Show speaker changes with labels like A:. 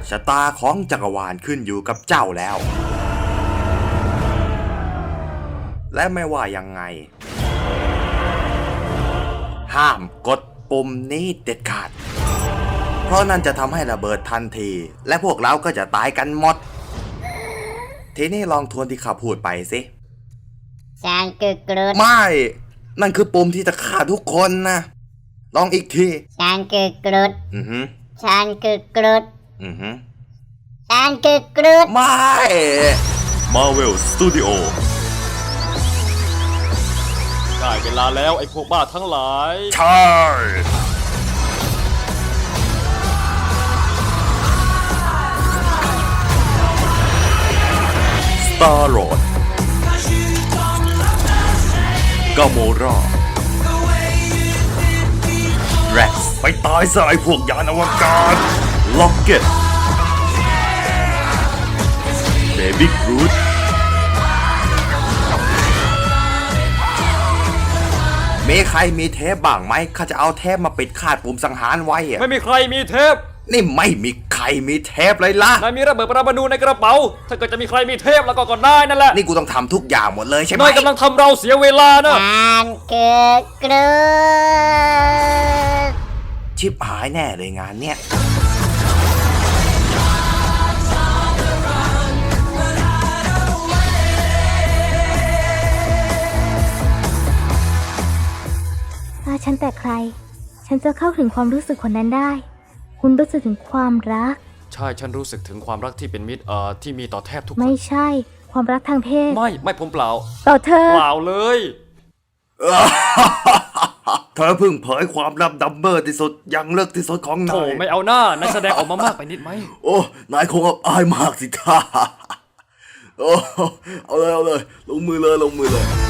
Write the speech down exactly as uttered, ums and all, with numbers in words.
A: ชะตาของจักรวาลขึ้นอยู่กับเจ้าแล้วและไม่ว่ายังไงห้ามกดปุ่มนี้เด็ดขาดเพราะนั่นจะทำให้ระเบิดทันทีและพวกเราก็จะตายกันหมดทีนี้ลองทวนที่ข้าพูดไปสิ
B: ฉันคือกรุด
A: ไม่นั่นคือปุ่มที่จะฆ่าทุกคนนะลองอีกที
B: ฉันคือกรุด
A: อือฮึ
B: ฉันคือกรุด
A: อือฮึ
B: ฉันคือกรุด
A: ไม่ Marvel Studio
C: ได้เวลาแล้วไอ้พวกบ้าทั้งหลาย
A: ใช่ Star-Lord กาโมราแร็กซ์ไปตายซะไอ้พวกยานอวกาศล็อกเก็ตเบบี้กรูทมีใครมีเทปบ้างไหมข้าจะเอาเทปมาปิดคาดปุ่มสังหารไว้อะ
C: ไม่มีใครมีเทป
A: นี่ไม่มีใครมีเทปเลยล่ะ
C: นายมีระเบิดปรมาณูในกระเป๋าถ้าเกิดจะมีใครมีเทปแล้วก็ก็ได้นั่นแหละ
A: นี่กูต้องทำทุกอย่างหมดเลยใช่ไหม
C: นายกำลังทำเราเสียเวลานะ
B: ฉันคือกรุด
A: ชิบหายแน่เลยงานเนี้ย
D: ถ้าฉันแต่ใครฉันจะเข้าถึงความรู้สึกคนนั้นได้คุณรู้สึกถึงความรัก
C: ใช่ฉันรู้สึกถึงความรักที่เป็นมิตรเอ่อที่มีต่อแทบทุกคน
D: ไม่ใช่ความรักทางเพศ
C: ไม่ไม่ผมเปล่า
D: ต่อเธอ
C: เปล่าเลย
A: เธอเพิ่งเผยความลับดัมเบอร์ที่สุดยังเลิกที่สุดของนาย
C: โอ้ไม่เอาหน้านายแสดงออกมามากไปนิดไหม
A: โอ้นายคงอับอายมากสิท่าโอ้เอาเลยเอาเลยลงมือเลยลงมือเลย